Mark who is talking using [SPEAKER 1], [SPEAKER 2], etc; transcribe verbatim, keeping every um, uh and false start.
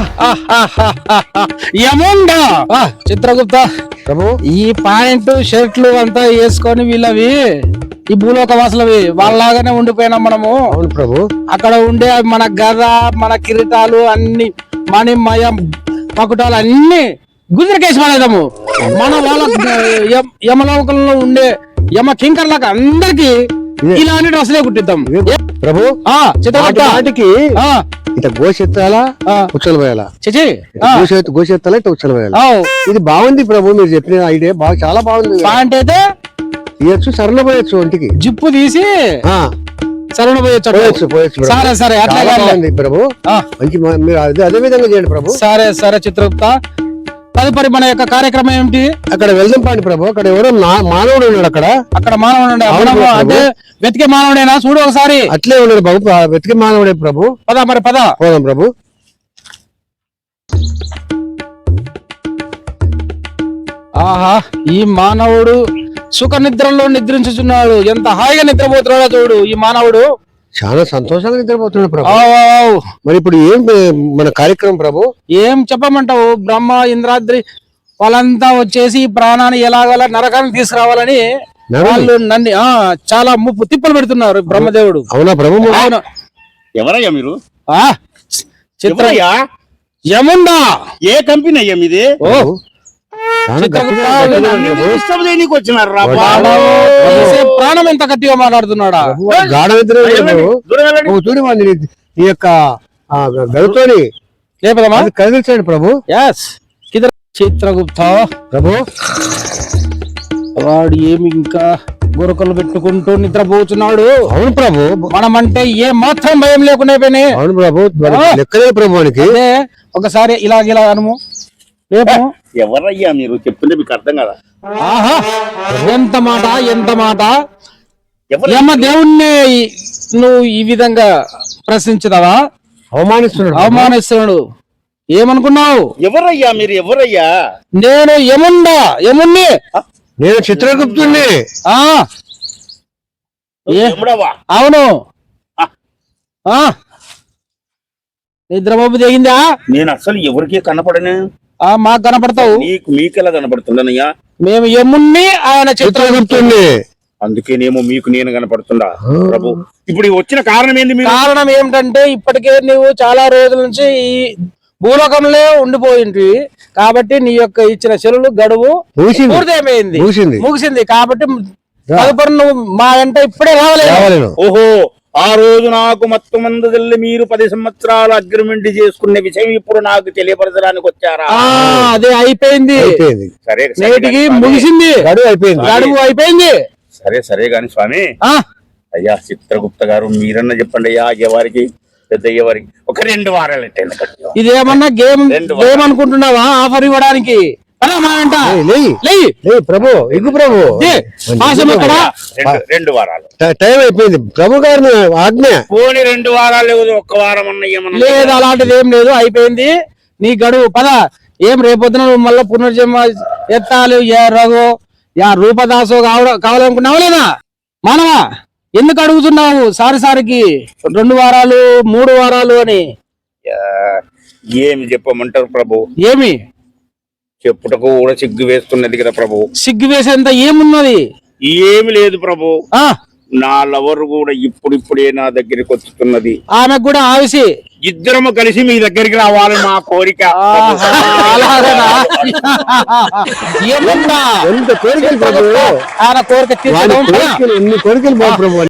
[SPEAKER 1] యముండా చిత్రగుప్త
[SPEAKER 2] ప్రభు
[SPEAKER 1] ఈ పాయింట్ షర్ట్లు అంతా వేసుకొని వీళ్ళవి ఈ భూలోక వాసులవి వాళ్ళలాగానే ఉండిపోయినాం మనము.
[SPEAKER 2] అవును ప్రభు.
[SPEAKER 1] అక్కడ ఉండే మన గద మన కిరీటాలు అన్ని మణిమయ పకుటాలు అన్ని గుజరకేసి పడేదాము. మన వాళ్ళ యమలోకంలో ఉండే యమ కింకర్లకు అందరికి ఇలాంటి డ్రెస్సులే కుట్టిద్దాం
[SPEAKER 2] ప్రభు. చిత్రకి ఇట గోషెత్తాలా ఉచ్చలు వేయాలా గోషెత్తాలా ఇట్లా ఉచ్చలు వేయాలా. ఇది బాగుంది ప్రభు, మీరు చెప్పిన ఐడియా బాగా చాలా బాగుంది.
[SPEAKER 1] పాయింట్ అయితే
[SPEAKER 2] ఇయచ్చు సరళ పోయొచ్చు ఒంటికి
[SPEAKER 1] జిప్పు తీసి సరళ పోయొచ్చు పోయొచ్చు. సరే సరే అట్లా
[SPEAKER 2] బాగుంది ప్రభు, మంచి మీరు అదే అదే విధంగా చేయండి ప్రభు.
[SPEAKER 1] సరే సరే చిత్రగుప్త, తదుపరి మన యొక్క కార్యక్రమం ఏమిటి?
[SPEAKER 2] అక్కడ వెళ్దాం పాండి ప్రభు. అక్కడ ఎవరో మానవుడు ఉన్నాడు. అక్కడ
[SPEAKER 1] అక్కడ మానవుడు అంటే వెతికే మానవుడేనా? చూడు ఒకసారి.
[SPEAKER 2] అట్లే ఉన్నాడు బాబు, వెతికే మానవుడే ప్రభు.
[SPEAKER 1] పదా మరి పద
[SPEAKER 2] పోదాం ప్రభు.
[SPEAKER 1] ఆహా, ఈ మానవుడు సుఖ నిద్రలో నిద్రించుచున్నాడు. ఎంత హాయిగా నిద్రపోతున్నాడో చూడు ఈ మానవుడు.
[SPEAKER 2] చాలా సంతోషంగా నిద్రపోతున్నాడు ప్రభు. మరి ఇప్పుడు ఏం మన కార్యక్రమం ప్రభు?
[SPEAKER 1] ఏం చెప్పమంటావు? బ్రహ్మ ఇంద్రాద్రి వాళ్ళంతా వచ్చేసి ఈ ప్రాణాన్ని ఎలాగలా నరకాన్ని తీసుకురావాలని వాళ్ళు నన్ను ఆ చాలా ముప్పు తిప్పలు పెడుతున్నారు బ్రహ్మదేవుడు.
[SPEAKER 2] అవునా ప్రభు?
[SPEAKER 3] ఎవరయ్యా మీరు?
[SPEAKER 1] ఆ చిత్రయ్యా యముండా.
[SPEAKER 3] ఏ కంపెనీ అయ్యా మీది?
[SPEAKER 1] ప్రాణం ఎంత గట్టిగా మాట్లాడుతున్నాడా?
[SPEAKER 2] చూడు ఈ యొక్క గడుతోని
[SPEAKER 1] లేపదమ్మా
[SPEAKER 2] కదిలించండి ప్రభు.
[SPEAKER 1] చిత్రగుప్త
[SPEAKER 2] ప్రభు,
[SPEAKER 1] వాడు ఏమి ఇంకా గురకలు పెట్టుకుంటూ నిద్రపోతున్నాడు.
[SPEAKER 2] అవును ప్రభు,
[SPEAKER 1] మనం అంటే ఏ మాత్రం భయం లేకుండా పోయినాయి.
[SPEAKER 2] అవును ప్రభు, లెక్కలే ప్రభు.
[SPEAKER 1] ఒకసారి ఇలాగ ఇలా అనుము.
[SPEAKER 3] ఎవరయ్యా మీరు? చెప్తుంటే మీకు అర్థం కదా.
[SPEAKER 1] ఆహా, ఎంత మాట ఎంత మాట! యమ దేవుణ్ణి నువ్వు ఈ విధంగా ప్రశ్నించదావా?
[SPEAKER 2] అవమానిస్తున్నాడు
[SPEAKER 1] అవమానిస్తున్నాడు. ఏమనుకున్నావు?
[SPEAKER 3] ఎవరయ్యా మీరు? ఎవరయ్యా?
[SPEAKER 1] నేను యముండా యముణ్ణి.
[SPEAKER 2] నేను చిత్రగుప్తుణ్ణి.
[SPEAKER 1] అవును. నిద్రబాబు దిగిందా?
[SPEAKER 3] నేను అసలు ఎవరికి కనపడను.
[SPEAKER 1] మాకు కనపడతావు.
[SPEAKER 3] నీకు మీకెలా కనపడుతున్నానయ్యా?
[SPEAKER 1] మేము యముణ్ణి, ఆయన చిత్రగుప్తుణ్ణి.
[SPEAKER 3] అందుకేనేమో మీకు నేను కనపడుతుందా ప్రభు? ఇప్పుడు వచ్చిన కారణం ఏంది?
[SPEAKER 1] కారణం ఏమిటంటే ఇప్పటికే నువ్వు చాలా రోజుల నుంచి ఈ భూలోకంలో ఉండిపోయింది కాబట్టి నీ యొక్క ఇచ్చిన చెరువులు గడువు పూర్తయిపోయింది, ముగిసింది. కాబట్టి తదుపరి నువ్వు మా వెంట ఇప్పుడే రావలేదు.
[SPEAKER 3] ఓహో, ఆ రోజు నాకు మొత్తం మంది మీరు పది సంవత్సరాలు అగ్రిమెంట్ చేసుకునే విషయం ఇప్పుడు నాకు తెలియపరచడానికి వచ్చారా?
[SPEAKER 1] అదే అయిపోయింది.
[SPEAKER 3] సరే,
[SPEAKER 1] నేటికి ముగిసింది, గడువు అయిపోయింది. గడువు అయిపోయింది.
[SPEAKER 3] సరే సరే గాని స్వామి, అయ్యా చిత్రగుప్త గారు, మీరన్నా చెప్పండి అయ్యా. అయ్యేవారికి పెద్ద అయ్యేవారికి ఒక రెండు వారాలు ఎట్టండి.
[SPEAKER 1] ఇదేమన్నా గేమ్ గేమ్ అనుకుంటున్నావా? ఆఫర్ ఇవ్వడానికి
[SPEAKER 2] ప్రభు. ఎగ్గు ప్రభు,
[SPEAKER 3] రెండు వారాలు
[SPEAKER 2] టైం అయిపోయింది ప్రభు గారిని ఆజ్ఞ.
[SPEAKER 3] పోనీ రెండు వారాలు లేదు, ఒక్క వారం అన్నయ్యమన్నా
[SPEAKER 1] లేదు. అలాంటిది ఏం లేదు, అయిపోయింది నీ గడువు. పద. ఏం రేపొద్దున నువ్వు మళ్ళా పునర్జన్మ ఎత్తాలి, ఏ రఘు యా రూపదాసో కావడం కావాలనుకున్నావా లేదా? మానవా, ఎందుకు అడుగుతున్నావు సారి సారికి రెండు వారాలు మూడు వారాలు అని?
[SPEAKER 3] ఏమి చెప్పమంటారు ప్రభు?
[SPEAKER 1] ఏమి
[SPEAKER 3] చెప్పుటకు కూడా సిగ్గు వేస్తున్నది కదా ప్రభు.
[SPEAKER 1] సిగ్గు వేసేంత ఏమున్నది?
[SPEAKER 3] ఏమి లేదు ప్రభు. నా లవర్ కూడా ఇప్పుడిప్పుడే నా దగ్గరికి వచ్చుతున్నది.
[SPEAKER 1] ఆమె కూడా ఆవిసి
[SPEAKER 3] ఇద్దరము కలిసి మీ దగ్గరికి రావాలి మా కోరిక.
[SPEAKER 2] ఎంత కోరికలు ప్రభు,
[SPEAKER 1] ఆయన కోరిక
[SPEAKER 2] ఎన్ని కోరికలు ప్రభు.